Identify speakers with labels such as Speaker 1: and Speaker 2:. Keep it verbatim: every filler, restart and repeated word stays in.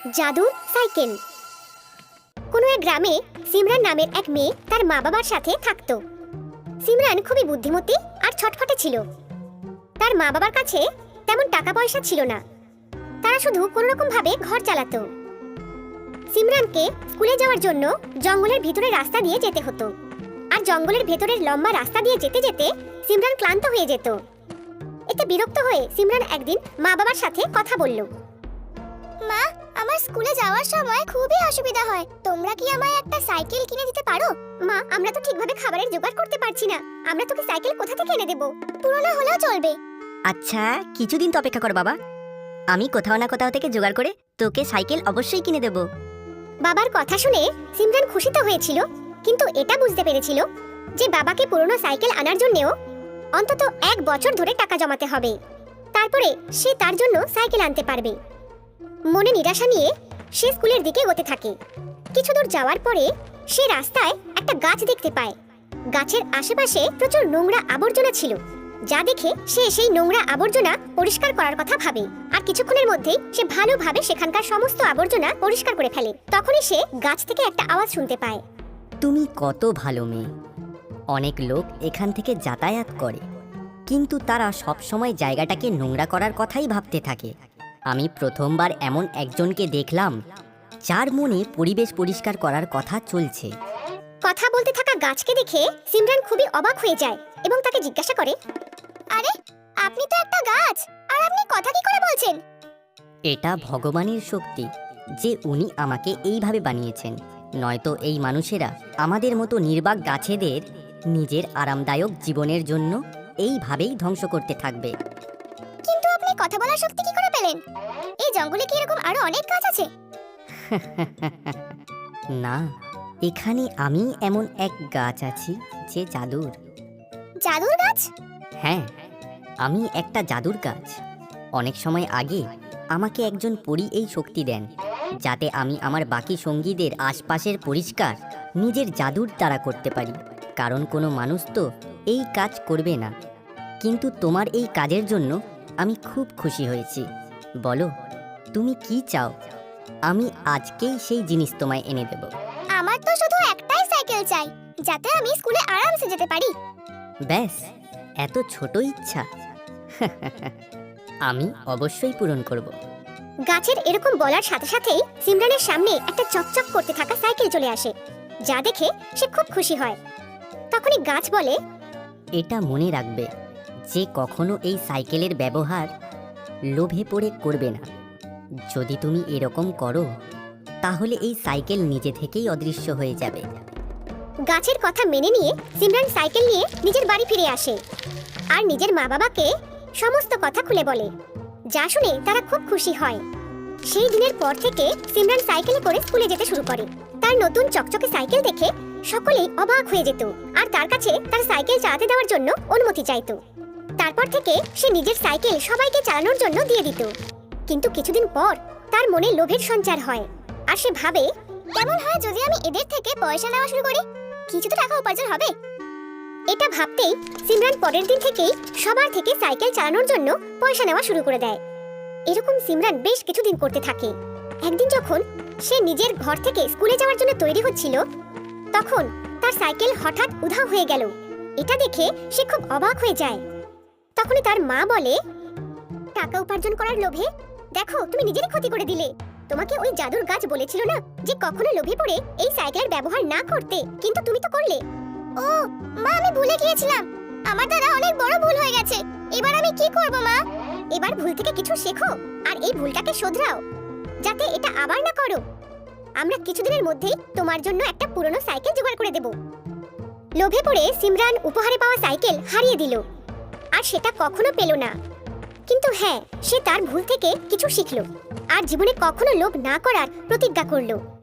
Speaker 1: জাদুর সাইকেল। কোনো এক গ্রামে সিমরান নামের এক মেয়ে তার মা বাবার সাথে থাকতো। সিমরান খুবই বুদ্ধিমতী আর ছটফটে ছিল। তার মা বাবার কাছে তেমন টাকা পয়সা ছিল না, তারা শুধু কোনো রকম ভাবে ঘর চালাতো। সিমরানকে স্কুলে যাওয়ার জন্য জঙ্গলের ভিতরে রাস্তা দিয়ে যেতে হতো, আর জঙ্গলের ভেতরের লম্বা রাস্তা দিয়ে যেতে যেতে সিমরান ক্লান্ত হয়ে যেত। এতে বিরক্ত হয়ে সিমরান একদিন মা বাবার সাথে কথা বলল। মা, আমার স্কুলে যাওয়ার সময় খুবই অসুবিধা হয়, তোমরা কি আমায় একটা সাইকেল কিনে দিতে পারো? মা, আমরা তো ঠিকভাবে খাবারের জোগাড় করতে পারছি না, আমরা তোকে সাইকেল কোথা থেকে এনে দেব? পুরনো হলেও চলবে।
Speaker 2: আচ্ছা, কিছুদিন তো অপেক্ষা কর বাবা, আমি কোথাও না কোথাও থেকে জোগাড় করে তোকে সাইকেল অবশ্যই কিনে দেব।
Speaker 1: বাবার কথা শুনে সিমরান খুশি তো হয়েছিল, কিন্তু এটা বুঝতে পেরেছিল যে বাবাকে পুরনো সাইকেল আনার জন্যও অন্তত এক বছর ধরে টাকা জমাতে হবে, তারপরে সে তার জন্য সাইকেল আনতে পারবে। মনে নিরাশা নিয়ে সে স্কুলের দিকে এগোতে থাকে। কিছু দূর যাওয়ার পরে সে রাস্তায় একটা গাছ দেখতে পায়। গাছের আশেপাশে প্রচুর নোংরা আবর্জনা ছিল, যা দেখে সে সেই নোংরা আবর্জনা পরিষ্কার করার কথা ভাবে, আর কিছুক্ষণের মধ্যেই সে ভালোভাবে সেখানকার সমস্ত আবর্জনা পরিষ্কার করে ফেলে। তখনই সে গাছ থেকে একটা আওয়াজ শুনতে পায়।
Speaker 2: তুমি কত ভালো মেয়ে। অনেক লোক এখান থেকে যাতায়াত করে, কিন্তু তারা সব সময় জায়গাটাকে নোংরা করার কথাই ভাবতে থাকে। আমি প্রথমবার এমন একজনকে দেখলাম যার মনে পরিবেশ পরিষ্কার করার কথা চলছে।
Speaker 1: কথা বলতে থাকা গাছকে দেখে সিমরান খুবই অবাক হয়ে যায় এবং তাকে জিজ্ঞাসা করে, আরে, আপনি তো একটা গাছ, আর আপনি কথা কি করে বলছেন?
Speaker 2: এটা ভগবানের শক্তি যে উনি আমাকে এইভাবে বানিয়েছেন, নয়তো এই মানুষেরা আমাদের মতো নির্বাক গাছেদের নিজের আরামদায়ক জীবনের জন্য এইভাবেই ধ্বংস করতে থাকবে।
Speaker 1: কিন্তু আপনি কথা বলার শক্তি কি করে পেলেন? এই জঙ্গলে কি এরকম আরো অনেক গাছ আছে?
Speaker 2: না, এখানে আমি এমন এক গাছ আছি যে জাদুর।
Speaker 1: জাদুর গাছ?
Speaker 2: হ্যাঁ, আমি একটা জাদুর গাছ। অনেক সময় আগে আমাকে একজন পরী এই শক্তি দেন, যাতে আমি আমার বাকি সঙ্গীদের আশপাশের পরিষ্কার নিজের জাদুর দ্বারা করতে পারি। কারণ কোনো মানুষ তো এই কাজ করবে না, কিন্তু তোমার এই কাজের জন্য আমি খুব খুশি হয়েছি। বলো, তুমি কি চাও? আমি আজকেই সেই জিনিস তোমায় এনে দেব।
Speaker 1: আমার তো শুধু একটাই সাইকেল চাই, যাতে আমি স্কুলে আরামসে যেতে পারি।
Speaker 2: ব্যাস, এত ছোট ইচ্ছা? আমি অবশ্যই পূরণ করব।
Speaker 1: গাছের এরকম বলার সাথে সাথেই সিমরানের সামনে একটা চকচক করতে থাকা সাইকেল চলে আসে, যা দেখে সে খুব খুশি হয়। তখনই গাছ বলে,
Speaker 2: এটা মনে রাখবে যে কখনো এই সাইকেলের ব্যবহার লোভে পড়ে করবে না। যদি তুমি এরকম করো, তাহলে এই সাইকেল নিজে থেকেই অদৃশ্য হয়ে যাবে।
Speaker 1: গাছের কথা মেনে নিয়ে সিমরান সাইকেল নিয়ে নিজের বাড়ি ফিরে আসে আর নিজের মা বাবাকে সমস্ত কথা খুলে বলে, যা শুনে তারা খুব খুশি হয়। সেই দিনের পর থেকে সিমরান সাইকেলে করে স্কুলে যেতে শুরু করে। তার নতুন চকচকে সাইকেল দেখে সকলেই অবাক হয়ে যেত আর তার কাছে তার সাইকেল চালাতে দেওয়ার জন্য অনুমতি চাইতো। তারপর থেকে সে নিজের সাইকেল সবাইকে চালানোর জন্য দিয়ে দিত। কিন্তু কিছুদিন পর তার মনে লোভের সঞ্চার হয়, আর সে ভাবে, কেমন হয় যদি আমি এদের থেকে পয়সা নেওয়া শুরু করি, কিছু তো টাকা উপার্জন হবে। এটা ভাবতেই সিমরান পরের দিন থেকেই সবার থেকে সাইকেল চালানোর জন্য পয়সা নেওয়া শুরু করে দেয়। এরকম সিমরান বেশ কিছুদিন করতে থাকে। একদিন যখন সে নিজের ঘর থেকে স্কুলে যাওয়ার জন্য তৈরি হচ্ছিল, তখন তার সাইকেল হঠাৎ উধাও হয়ে গেল। এটা দেখে সে খুব অবাক হয়ে যায়। তখনই তার মা বলে, টাকা উপার্জন করার লোভে দেখো তুমি নিজেরই ক্ষতি করে দিলে। তোমাকে ওই জাদুর গাছ বলেছিল না যে কখনো লোভে পড়ে এই সাইকেলের ব্যবহার না করতে, কিন্তু তুমি তো করলে। ও মা, আমি ভুলে গিয়েছিলাম, আমার দ্বারা অনেক বড় ভুল হয়ে গেছে। এবার আমি কি করব মা? এবার ভুল থেকে কিছু শেখো আর এই ভুলটাকে শোধরাও, যাতে এটা আবার না করো। আমরা কিছুদিনের মধ্যেই তোমার জন্য একটা পুরনো সাইকেল জোগাড় করে দেব। লোভে পড়ে সিমরান উপহারে পাওয়া সাইকেল হারিয়ে দিল, আর সেটা কখনো পেল না। কিন্তু হ্যাঁ, সে তার ভুল থেকে কিছু শিখল আর জীবনে কখনো লোভ না করার প্রতিজ্ঞা করলো।